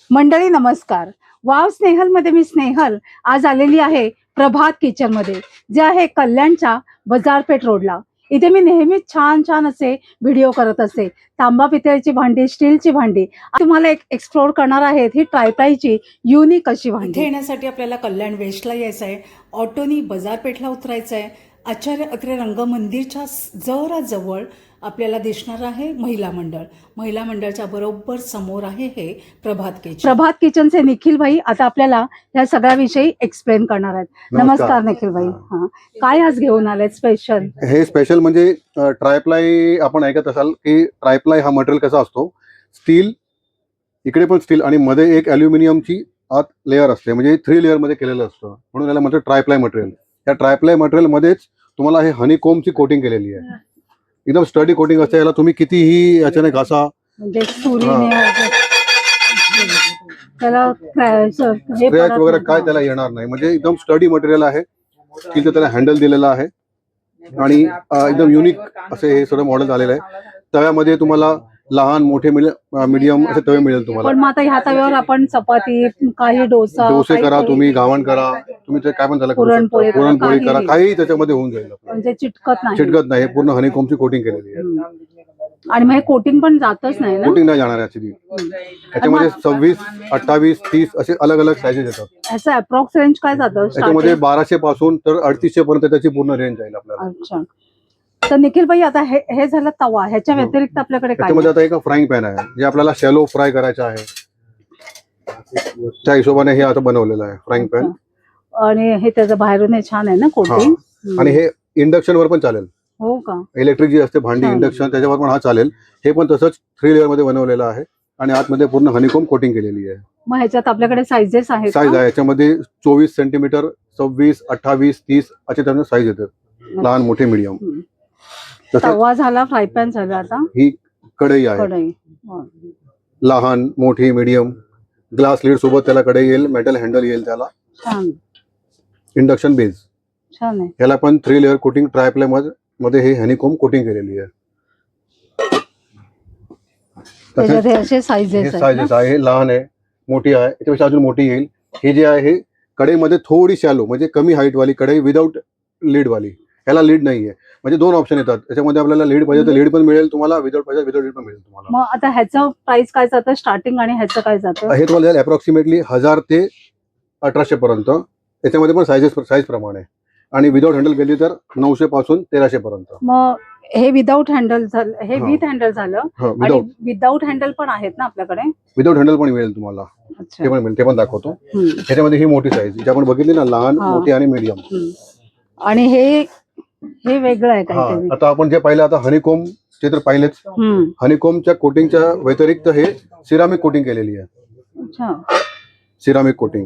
मंडळी नमस्कार. वाव स्नेहल मध्ये मी स्नेहल आज आलेली आहे प्रभात किचन मध्ये, जे आहे कल्याणच्या बाजारपेठ रोडला. इथे मी नेहमीच छान छान असे व्हिडिओ करत असते. तांबा पितळेची भांडी, स्टीलची भांडी तुम्हाला एक एक्सप्लोर करणार आहेत. ही ट्रायप्लायची युनिक अशी भांडी. इथे येण्यासाठी आपल्याला कल्याण वेस्टला यायचं आहे, ऑटोनी बाजारपेठला उतरायचं आहे. आचार्य अत्रे रंगमंदिरच्या जरा जवळ आपल्याला दिसणार आहे महिला मंडळ. महिला मंडळच्या बरोबर समोर आहे हे प्रभात किचन. प्रभात किचनचे निखिल भाई आता आपल्याला या सगळ्याविषयी एक्सप्लेन करणार आहेत. नमस्कार निखिल भाई. हा, काय आज घेऊन आले स्पेशल? हे स्पेशल म्हणजे ट्रायप्लाय आपण ऐकत असाल की ट्रायप्लाय हा मटेरियल कसा असतो, स्टील, इकडे पण स्टील आणि मध्ये एक अल्युमिनियमची आत लेअर असते, म्हणजे 3 लेअर मध्ये केलेलं असतं, म्हणून याला म्हणतात ट्रायप्लाय मटेरियल. या ट्रायप्लाय मटेरियल मध्येच तुम्हाला हे हनीकोमची कोटिंग केलेली आहे. एकदम स्टडी कोटिंग असते. याला तुम्ही कितीही याच्याने घासा, म्हणजे स्क्रॅच वगैरे काय त्याला येणार नाही. म्हणजे एकदम स्टडी मटेरियल आहे. तिथे त्याला हँडल दिलेला आहे आणि एकदम युनिक असे हे सर्व मॉडेल आलेलं आहे. तव्यामध्ये तुम्हाला लहान मोठे मीडियम असे तवे मिळेल तुम्हाला. पण मग आता ह्या तव्यावर आपण चपाती, काही डोसे करा, तुम्ही घावण करा, तुम्ही ते काय पण त्याला पुरणपोळी करा, काही त्याच्यामध्ये होऊन जाईल. म्हणजे चिटकत नाही. पूर्ण हनीकोमची कोटिंग केलेली आहे. आणि मग कोटिंग पण जातच नाही ना? कोटिंग नाही जाणार ऍक्च्युली. त्याच्यामध्ये 26, 28, 30 असे अलग अलग साईजेस येतात. याचा अप्रॉक्स रेंज काय जातं? त्याच्यामध्ये 1200 पासून तर 3800 पर्यंत त्याची पूर्ण रेंज जाईल आपल्याला. अच्छा. तर निखिल भाई आता हे झालं तवा, ह्याच्या व्यतिरिक्त आपल्याकडे काय? त्याच्यामध्ये आता एक फ्राईंग पॅन आहे, जे आपल्याला शॅलो फ्राय करायचं आहे. त्या हिशोबाने हे आता बनवलेलं आहे फ्राईंग पॅन. आणि हे त्याचं बाहेरून हे छान आहे ना कोटिंग. आणि हे इंडक्शन वर पण चालेल. हो का? इलेक्ट्रिक जी असते भांडी इंडक्शन, त्याच्यावर पण हा चालेल. हे पण तसंच 3 लेअर मध्ये बनवलेलं आहे आणि आतमध्ये पूर्ण हनीकोम कोटिंग केलेली आहे. मग ह्याच्यात आपल्याकडे साईजेस आहेत? साईज आहे याच्यामध्ये 24 सेंटीमीटर, 26, 28, 30 असे त्यामध्ये साईज येतात, लहान मोठे मीडियम. तवा झाला, फ्राय पॅन झाला. आता ही कढई आहे, लहान मोठी मीडियम, ग्लास लीड सोबत त्याला कढई येईल, मेटल हँडल येईल त्याला. छान. इंडक्शन बेस छान आहे. ह्याला पण 3 लेअर कोटिंग ट्रायप्लाय मध्ये हे हनीकोम कोटिंग केलेली आहे. असे साईजेस आहे, लहान आहे, मोठी आहे, याच्यापेक्षा अजून मोठी येईल. हे जे आहे कढईमध्ये थोडी शॅलो, म्हणजे कमी हाईट वाली कढई विदाऊट लीड वाली. ह्याला लीड नाहीये. म्हणजे 2 ऑप्शन येतात त्याच्यामध्ये. आपल्याला लीड पाहिजे तर लीड पण मिळेल तुम्हाला, विदाऊट पाहिजे विदाऊट लीड पण मिळेल तुम्हाला. मग आता ह्याचं प्राइस काय जातं स्टार्टिंग आणि ह्याचं काय जातं? हे तुम्हाला अप्रॉक्सिमेटली 1000 ते 1800 पर्यंत. त्याच्यामध्ये पण साईज प्रमाणे. आणि विदाऊट हँडल केली तर 900 पासून 1300 पर्यंत. मग हे विदाऊट हँडल झालं, हे विथ हँडल झालं. आणि विदाऊट हँडल पण आहेत ना आपल्याकडे? विदाऊट हँडल पण मिळेल तुम्हाला, ते पण मिळेल, ते पण दाखवतो. त्याच्यामध्ये ही मोठी साईज जी आपण बघितली ना, लहान, मोठी आणि मीडियम. आणि हे वेगळं आहे काहीतरी. आता आपण जे पाहिलं, आता हनीकोम ते तर पाहिलेच. हनीकोमच्या कोटिंगच्या व्यतिरिक्त हे सिरामिक कोटिंग केलेली आहे. सिरामिक कोटिंग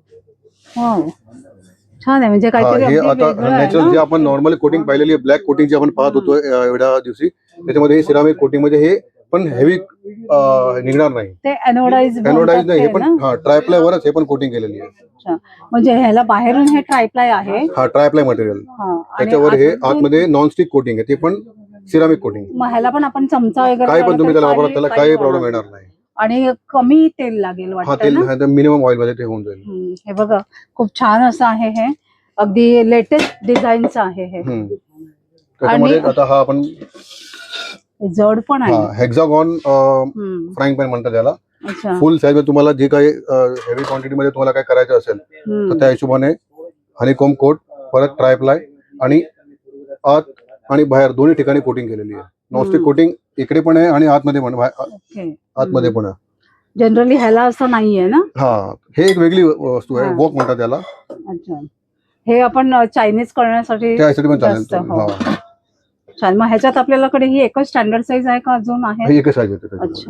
छान आहे. म्हणजे काहीतरी हे आता नॅचरल जे आपण नॉर्मल कोटिंग पाहिलेली आहे, ब्लॅक कोटिंग जी आपण पाहत होतो एवढ्या दिवशी, त्याच्यामध्ये हे सिरामिक कोटिंग मध्ये हे पण हेवी निघणार नाही. ते एनोडाइज नाही, हे पण ट्रायप्लाय वरच हे पण कोटिंग केलेली आहे. म्हणजे ह्याला बाहेरून हे ट्रायप्लाय आहे. Triply material. त्याच्यावर हे आतमध्ये नॉनस्टिक कोटिंग आहे, ते पण सिरामिक कोटिंग. मग ह्याला पण आपण चमचा वगैरे काय पण तुम्ही त्याला वापरा, त्याला काही प्रॉब्लेम येणार नाही. आणि कमी तेल लागेल वाटतं ना? मिनिमम ऑइल मध्ये ते होऊन जाईल. हे बघा, खूप छान असं आहे. हे अगदी लेटेस्ट डिझाईनचं आहे हे. त्याच्यामध्ये आता हा आपण जड पण आहे, हेक्सागॉन फ्राईंग पॅन म्हणतात त्याला. फुल साईज मध्ये तुम्हाला जे काही हेवी क्वांटिटी मध्ये तुम्हाला काय करायचं असेल तर त्या हिशोबाने हनीकोम कोट, परत ट्रायप्लाय आणि आत आणि बाहेर दोन्ही ठिकाणी कोटिंग केलेली आहे. नॉनस्टिक कोटिंग इकडे पण आहे आणि आतमध्ये पण आहे. जनरली ह्याला असं नाहीये ना? हे एक वेगळी वस्तू आहे, वॉक म्हणतात त्याला. अच्छा. हे आपण चायनीज करण्यासाठी पण चालेल. छान. मग ह्याच्यात आपल्याकडे ही एकच स्टँडर्ड साईज आहे का अजून आहे? एकच साईज आहे. अच्छा.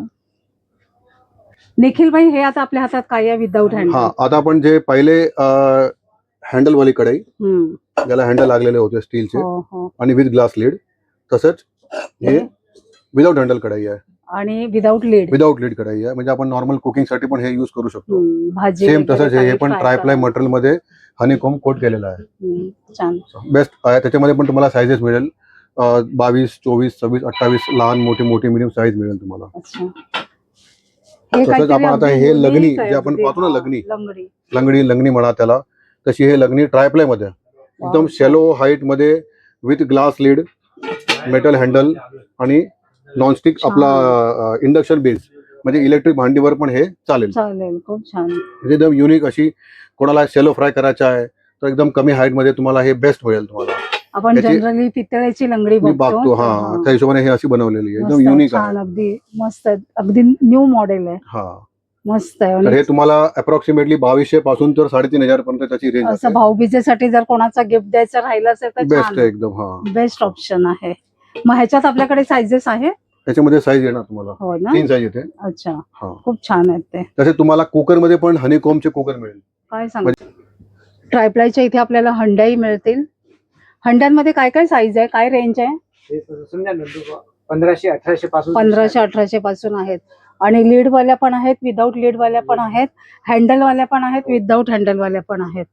निखिल भाई, हे आता आपल्या हातात काय आहे विदाऊट हँडल? आता आपण जे पहिले हँडल वाली कढई, ज्याला हँडल लागलेले होते स्टीलचे आणि विथ ग्लास लीड, तसंच हे विदाऊट हँडल कढई आहे आणि विदाऊट लीड कढई आहे. म्हणजे आपण नॉर्मल कुकिंग साठी पण हे युज करू शकतो. सेम तसंच हे पण ट्रायप्लाय मटेरियल मध्ये हनीकोम कोट केलेला आहे. छान, बेस्ट आहे. त्याच्यामध्ये पण तुम्हाला साईजेस मिळेल, 22, 24, 26, 28, लहान मोठी मीडियम साईज मिळेल तुम्हाला. तसंच काहीतरी आपण आता अगदी हे unique लग्नी आहे, जे आपण अगदी. पाहतो ना हा, लग्नी लंगडी. लंगडी म्हणा त्याला, तशी हे लग्नी ट्रायप्लाय मध्ये एकदम Wow. शॅलो हाईट मध्ये with glass lid, metal handle आणि नॉनस्टिक छान. आपला इंडक्शन बेस, म्हणजे इलेक्ट्रिक भांडीवर पण हे चालेल. चालेल, खूप छान. म्हणजे एकदम युनिक अशी, कोणाला शॅलो फ्राय करायचा आहे तर एकदम कमी हाईट मध्ये तुम्हाला हे बेस्ट मिळेल. तुम्हाला आपण याची- जनरली पितळेची लंगडी मी बघतो. बघतो हा, त्या हिशोबाने हे अशी बनवलेली आहे, एकदम मस्त, युनिक छान, आहे. अगदी मस्त, अगदी न्यू मॉडेल आहे. हा, मस्त आहे. तर आणि हे तुम्हाला अप्रॉक्सिमेटली 2200 पासून तर 3500 पर्यंत त्याची रेंज असं भाऊबीजेसाठी जर कोणाचा गिफ्ट द्यायचा राहिला असेल तर बेस्ट छान, आहे एकदम. हा, बेस्ट ऑप्शन आहे. मग ह्याच्यात आपल्याकडे सायझेस आहे. त्याच्यामध्ये साईज येणार तुम्हाला हो ना. 3 साईज येते. अच्छा, हा, खूप छान आहेत ते. तसे तुम्हाला कुकर मध्ये पण हनीकॉमचे कुकर मिळेल. काय सांग, ट्रायप्लायच्या इथे आपल्याला हंड्याही मिळतील. हंड्यांमध्ये काय काय साईज आहे, काय रेंज आहे? 1500-1800 पासून 1500-1800 पासून आहेत. आणि लीड वाल्या पण आहेत, विदाऊट लीड वाल्या पण आहेत, हँडल वाल्या पण आहेत, विदाऊट हँडल वाल्या पण आहेत.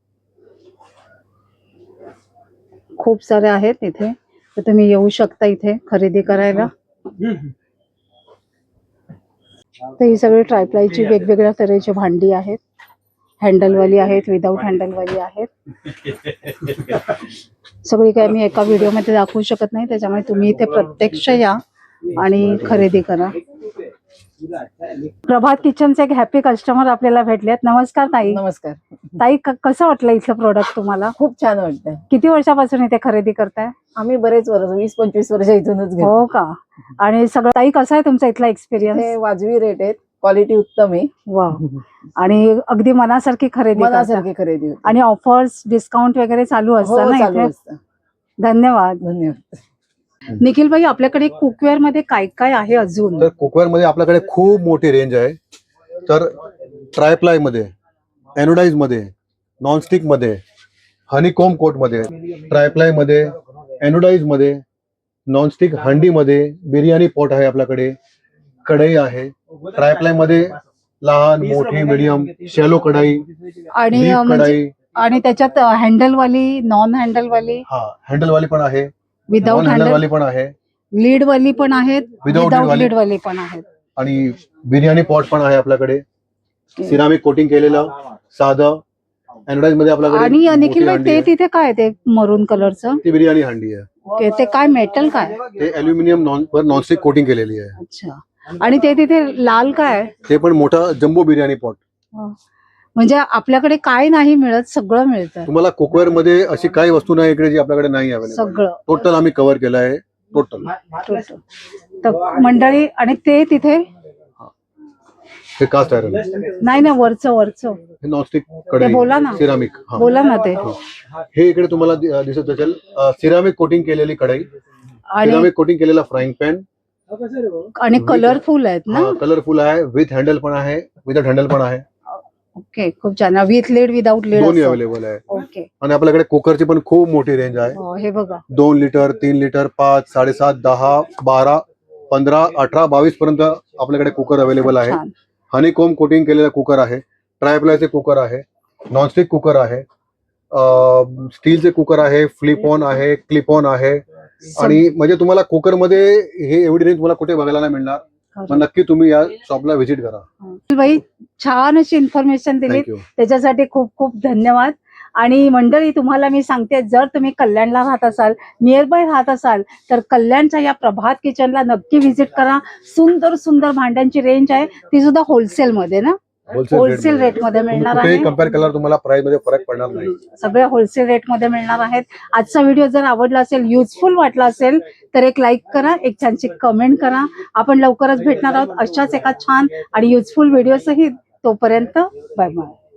खूप सारे आहेत इथे, तर तुम्ही येऊ शकता इथे खरेदी करायला. तर ही सगळी ट्रायप्लायची वेगवेगळ्या तऱ्हेची भांडी आहेत. हँडलवाली आहेत, विदाऊट हँडलवाली आहेत. सगळी काय मी एका व्हिडिओमध्ये दाखवू शकत नाही, त्याच्यामुळे तुम्ही इथे प्रत्यक्ष या आणि खरेदी करा. प्रभात किचनचे एक हॅपी कस्टमर आपल्याला भेटलेत. नमस्कार ताई. नमस्कार. ताई, कसं वाटलं इथलं प्रोडक्ट तुम्हाला? खूप छान वाटतंय. किती वर्षापासून इथे खरेदी करताय? आम्ही बरेच वर्ष 20-25 वर्ष इथूनच घेतो. हो का? आणि सगळं ताई, कसा आहे तुमचा इथला हे एक्सपिरियन्स? वाजवी रेट आहेत, क्वालिटी उत्तम आहे, वा, आणि अगदी मनासारखी खरेदी करता. मनासारखी खरेदी होते. आणि ऑफर्स, डिस्काउंट वगैरे चालू हो, असतं ना चालू इथे? असतं. धन्यवाद. धन्यवाद. निखिल भाई, आपल्याकडे कुकवेअर मध्ये काय काय आहे अजून? तर कुकवेअर मध्ये आपल्याकडे खूप मोठी रेंज आहे. तर ट्रायप्लाय मध्ये, एनोडाइज मध्ये, नॉनस्टिक मध्ये, हनीकॉम कोट मध्ये, ट्रायप्लाय मध्ये, एनोडाइज मध्ये, नॉनस्टिक हंडी मध्ये, बिर्याणी पॉट आहे आपल्याकडे, कढई आहे. ट्रायप्लाय मध्ये लहान, मोठी, मीडियम, शॅलो कढाई, आणि डीप म्हणजे कढाई, आणि त्याच्यात हँडल वाली, नॉन हँडल वाली, हा हँडल वाली पण आहे, विदाऊट नॉन हँडल हँडल, वाली पण आहे, लीड वाली पण आहेत, Without विदाऊट lead लीड वाली पण आहेत. आणि बिर्याणी पॉट पण आहे आपल्याकडे. सिरामिक कोटिंग केलेलं साधं एनोडाइज मध्ये आपल्याकडे. आणि मोठी निखिल भाई, हंडी ते आहे. तिथे काय आहे ते मरून कलरचं? ती बिर्याणी हंडी आहे. ओके, ते काय मेटल काय? ते अल्युमिनियम नॉनस्टिक कोटिंग केलेली आहे. अच्छा. आणि ते तिथे लाल काय? ते पण मोठा जम्बो बिर्याणी पॉट. म्हणजे आपल्याकडे काय नाही मिळत, सगळं मिळतं. तुम्हाला कुकवेअर मध्ये अशी काही वस्तू नाही इकडे जी आपल्याकडे नाही अवेलेबल. सगळं टोटल आम्ही कव्हर केलं आहे, टोटल. तर मंडळी, आणि ते तिथे हे कास्ट आयरन, नाही ना, वरचं हे नॉनस्टिक ते बोला ना. कढई, सिरामिक. बोला ना ते. हे इकडे तुम्हाला दिसत असेल सिरामिक कोटिंग केलेली कढई, आणि सिरामिक कोटिंग केलेला फ्राईंग पॅन. आणि कलरफुल आहेत ना? कलरफुल आहे, विथ हँडल पण आहे, विदाउट हँडल पण आहे. ओके, खूप छान. विथ लीड, विदाऊट लीड दोन्ही अवेलेबल आहे. ओके. आणि आपल्याकडे कुकरची पण खूप मोठी रेंज आहे. हे बघा, 2 लिटर, 3 लिटर, 5, 7.5, 10, 12, 15, 18, 22 पर्यंत आपल्याकडे कुकर अवेलेबल आहे. छान. हनीकॉम कोटिंग केलेला कुकर आहे, ट्रायप्लायचे कुकर आहे, नॉनस्टिक कुकर आहे, स्टीलचे कुकर आहे, फ्लिप ऑन आहे, क्लिप ऑन आहे. आणि म्हणजे तुम्हाला कुकर मध्ये हे एवढी रेंज तुम्हाला कुठे बघायला नाही मिळणार. मग नक्की तुम्ही या शॉपला व्हिजिट करा. बाई, छान अशी इन्फॉर्मेशन दिली, थँक्यू. त्याच्यासाठी खूप खूप धन्यवाद. आणि मंडळी, तुम्हाला मी सांगते, जर तुम्ही कल्याणला राहत असाल, नियर बाय राहत असाल, तर कल्याणच्या या प्रभात किचनला नक्की व्हिजिट करा. सुंदर सुंदर भांड्यांची रेंज आहे, ती सुद्धा होलसेल मध्ये ना, होलसेल रेट मध्ये मिळणार आहे. कुठेही कम्पेअर केल्यावर तुम्हाला प्राइस मध्ये फरक पडणार नाही. सगळ्या होलसेल रेट मध्ये मिळणार आहेत. आजचा व्हिडिओ जर आवडला असेल, युजफुल वाटला असेल, तर एक लाईक करा, एक छानशी कमेंट करा. आपण लवकरच भेटणार आहोत अशाच एका छान आणि युजफुल व्हिडिओ सहित. तोपर्यंत बाय बाय.